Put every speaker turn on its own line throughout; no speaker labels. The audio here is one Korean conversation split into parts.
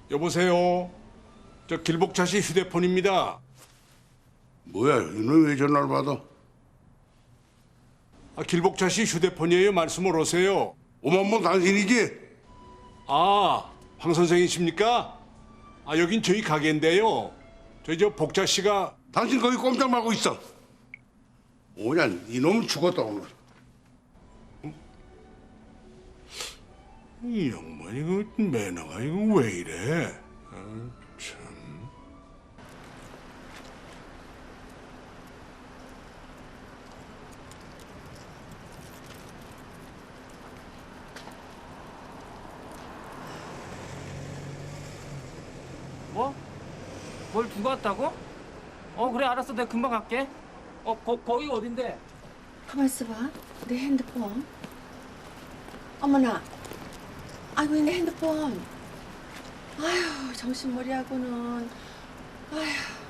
여보세요. 저 길복차 씨 휴대폰입니다.
뭐야, 너는 왜 전화를 받아?
길복차 씨 휴대폰이에요. 말씀을 오세요.
오만번 당신이지?
황 선생이십니까? 여긴 저희 가게인데요. 저 복차 씨가
당신 거기 꼼짝 말고 있어. 뭐냐, 이놈은 죽었다 오늘.
이 양반 이거 매너가 이거 왜 이래? 참.
뭐? 뭘 두고 왔다고? 그래 알았어 내가 금방 갈게. 거기 어딘데?
가만 있어봐. 내 핸드폰. 어머나. 아이고 내 핸드폰. 아휴 정신머리하고는. 아휴.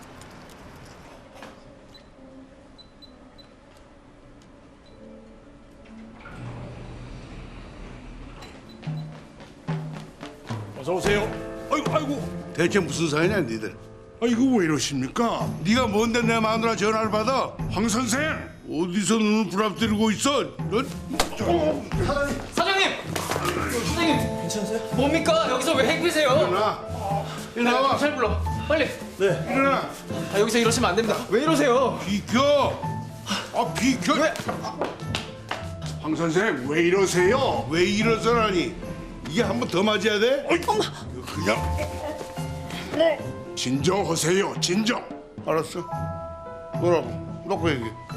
어서 오세요. 아이고.
대체 무슨 사이냐, 니들?
이거 왜 이러십니까?
네가 뭔데 내 마누라 전화를 받아?
황 선생.
어디서 눈을 부랍뜨리고 있어? 넌?
사장님! 사장님! 괜찮으세요? 뭡니까? 여기서 왜 행피세요?
일어나.
경찰 불러 빨리.
일어나.
여기서 이러시면 안 됩니다. 왜 이러세요?
비켜. 비켜.
황 선생 왜 이러세요?
왜 이러서라니? 이게 한 번 더 맞아야 돼?
엄마. 그냥 진정하세요. 진정.
알았어. 뭐라고? 놓고 얘기해.